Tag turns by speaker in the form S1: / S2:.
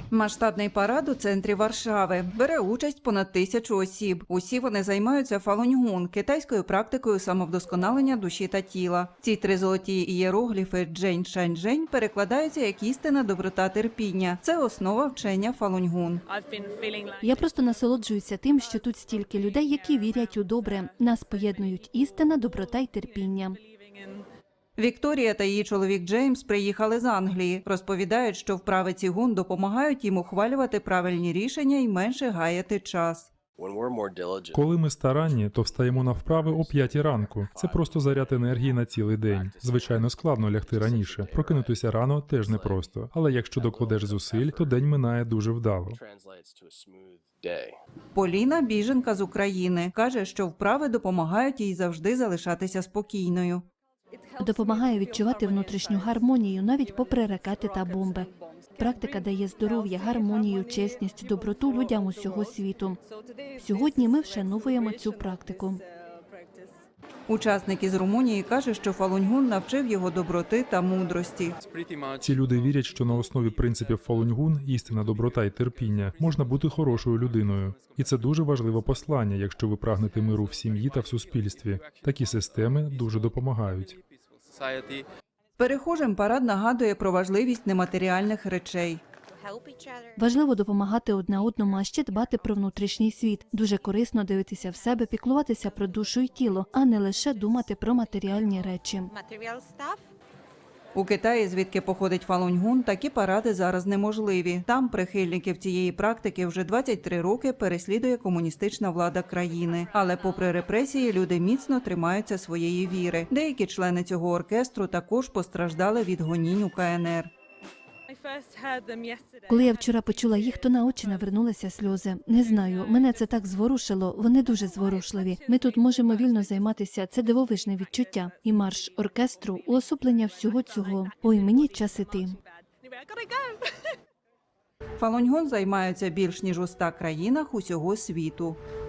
S1: Масштабний парад у центрі Варшави. Бере участь понад 1000 осіб. Усі вони займаються фалуньгун – китайською практикою самовдосконалення душі та тіла. Ці три золоті ієрогліфи «Джень Шань Жень» перекладаються як істина, доброта, терпіння. Це основа вчення фалуньгун.
S2: Я просто насолоджуюся тим, що тут стільки людей, які вірять у добре. Нас поєднують істина, доброта й терпіння.
S1: Вікторія та її чоловік Джеймс приїхали з Англії. Розповідають, що вправи цігун допомагають їм ухвалювати правильні рішення і менше гаяти час.
S3: Коли ми старанні, то встаємо на вправи о 5 ранку. Це просто заряд енергії на цілий день. Звичайно, складно лягти раніше. Прокинутися рано теж непросто. Але якщо докладеш зусиль, то день минає дуже вдало.
S1: Поліна – біженка з України. Каже, що вправи допомагають їй завжди залишатися спокійною.
S2: Допомагає відчувати внутрішню гармонію, навіть попри ракети та бомби. Практика дає здоров'я, гармонію, чесність, доброту людям усього світу. Сьогодні ми вшановуємо цю практику.
S1: Учасник із Румунії каже, що фалуньгун навчив його доброти та мудрості.
S3: Ці люди вірять, що на основі принципів фалуньгун – істина, доброта і терпіння – можна бути хорошою людиною. І це дуже важливе послання, якщо ви прагнете миру в сім'ї та в суспільстві. Такі системи дуже допомагають.
S1: Перехожим парад нагадує про важливість нематеріальних речей.
S2: Важливо допомагати одне одному, а ще дбати про внутрішній світ. Дуже корисно дивитися в себе, піклуватися про душу і тіло, а не лише думати про матеріальні речі.
S1: У Китаї, звідки походить фалуньгун, такі паради зараз неможливі. Там прихильників цієї практики вже 23 роки переслідує комуністична влада країни. Але попри репресії, люди міцно тримаються своєї віри. Деякі члени цього оркестру також постраждали від гонінь у КНР.
S2: Коли я вчора почула їх, то на очі навернулися сльози. Не знаю, мене це так зворушило, вони дуже зворушливі. Ми тут можемо вільно займатися, це дивовижне відчуття. І марш оркестру – уособлення всього цього. Ой, мені час іти.
S1: Фалуньгун займаються більш ніж у 100 країнах усього світу.